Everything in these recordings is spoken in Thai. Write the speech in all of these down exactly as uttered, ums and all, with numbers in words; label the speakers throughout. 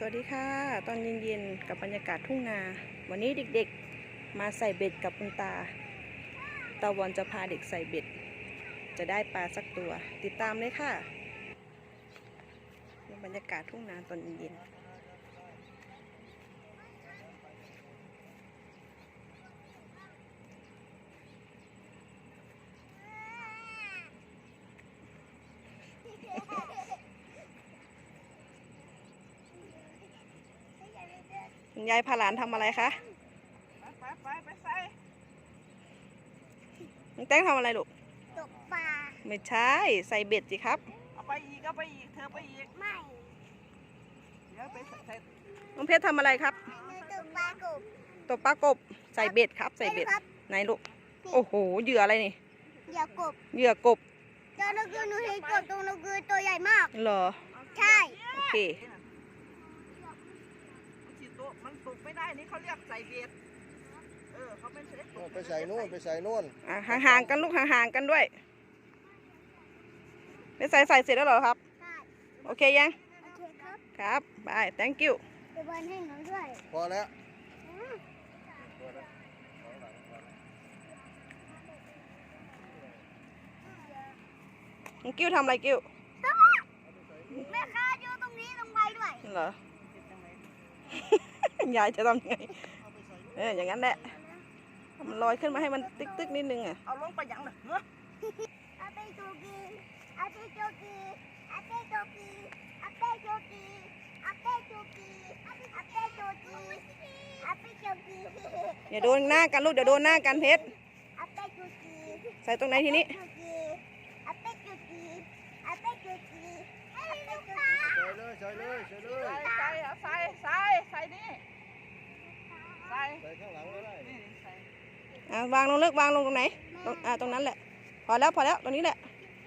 Speaker 1: วัสดีค่ะตอนเย็นๆกับบรรยากาศทุ่งนาวันนี้เด็กๆมาใส่เบ็ดกับคุณตาตาวันจะพาเด็กใส่เบ็ดจะได้ปลาสักตัวติดตามเลยค่ะบรรยากาศทุ่งนาตอนเย็นคุณยายพาหลานทำอะไรคะ
Speaker 2: ไปไปไปใส่
Speaker 1: น้องแต้งทำอะไรลูก
Speaker 3: ตกปลา
Speaker 1: ไม่ใช่ใส่เบ็ดสิครับ
Speaker 2: เอาไปอีกเอาไปอีกเธอไปอีก
Speaker 3: ไม่
Speaker 2: เดี๋ยวไปใส่
Speaker 1: น้องเพชรทำอะไรครับ
Speaker 3: ตกปลากบ
Speaker 1: ตกปลากบใส่เบ็ดครับใส่เบ็ดไหนลูกโอ้โหเหยื่ออะไรนี่
Speaker 3: เหยื่อกบ
Speaker 1: เหยื่อกบ
Speaker 3: เจ้านกยูงหนูเห็นกบตรงนกยูงตัวใหญ่มาก
Speaker 1: เหรอ
Speaker 3: ใช่
Speaker 1: โอเค
Speaker 2: มันตกไม่ได้นี่เขาเรียกใส่เบ็ดเออเขาไม่ใช่
Speaker 4: ไปใส่นู่นไปใส่นู่น
Speaker 1: ห่างๆกันลูกห่างๆกันด้วยไม่ใส่ใส่เสร็จแล้วเหรอครับ
Speaker 3: ใช่
Speaker 1: โอเคยัง
Speaker 3: โอเคครับ
Speaker 1: ครับบาย thank you
Speaker 3: เดี๋ยวบอลให้หนูด้วย
Speaker 4: พอแล้ว
Speaker 1: กิ้วทำอะไรกิ้ว
Speaker 3: แม่ค้าอยู่ตรงนี้ตรงใบด้วย
Speaker 1: เหรอ ยายจะทำยังไงเอออย่างนั้นแหละมันลอยขึ้นมาให้มันติ๊กติ๊กนิดนึงอ่ะ
Speaker 2: เอาลงไปยังเลยเนาะ
Speaker 3: อาเปโจกีอาเปโจกีอาเปโจกีอาเปโจกีอาเปโจกีอาเปโจกีอาเปโจกี
Speaker 1: อย่าโดนหน้ากันลูกเดี๋ยวโดนหน้ากันเพชร
Speaker 3: อาเปโจกี
Speaker 1: ใส่ตรงไหนทีนี้
Speaker 3: อาเปโจกีอาเปโจกีอาเปโจกี
Speaker 4: ใส่เลยใส่เลยใส่เลย
Speaker 2: ใส่ใส่ใส่ใส่นี่ใส่
Speaker 4: ใส่ข้างหลังก็ได้
Speaker 2: นี่ใส่
Speaker 1: อ่าวางลงเลิกวางลงตรงไหนตรงอ่าตรงนั้นแหละพอแล้วพอแล้วตรงนี้แหละ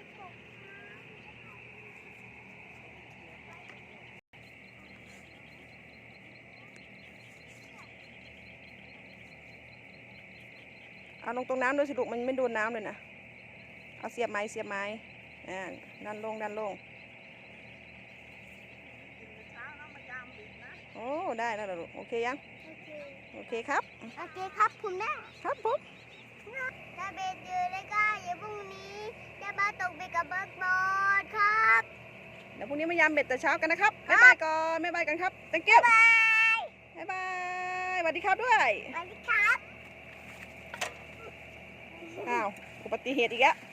Speaker 1: เอาลงตรงน้ำด้วยสิลูกมันไม่โดนน้ำเลยนะเอาเสียบไม้เสียบไม้อ่าดันลงดันลงโอ้ได้แล้วลูกโอเคยังโอเคครับ
Speaker 3: โอเคครับคุณแม่
Speaker 1: ครับผม
Speaker 3: ถ้าเบ็ดเยอะเลยก็อย่าพรุ่งนี้จะมาตกเบ็ดกับเบิร์กบอลครับ
Speaker 1: เดี๋ยวพรุ่งนี้มายามเบ็ดแต่เช้ากันนะครับบ๊ายบายก่อนบ๊ายบายกันครับ thank you บ๊ายบายสวัสดีครับด้วย
Speaker 3: สวัสดีครับ
Speaker 1: อ้าวอุบัติเหตุอีกแล้ว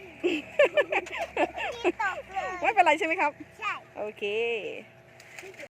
Speaker 3: ที่ตกเลย
Speaker 1: ไม่เป็นไรใช่ไหมครับ
Speaker 3: ใช่
Speaker 1: โอเค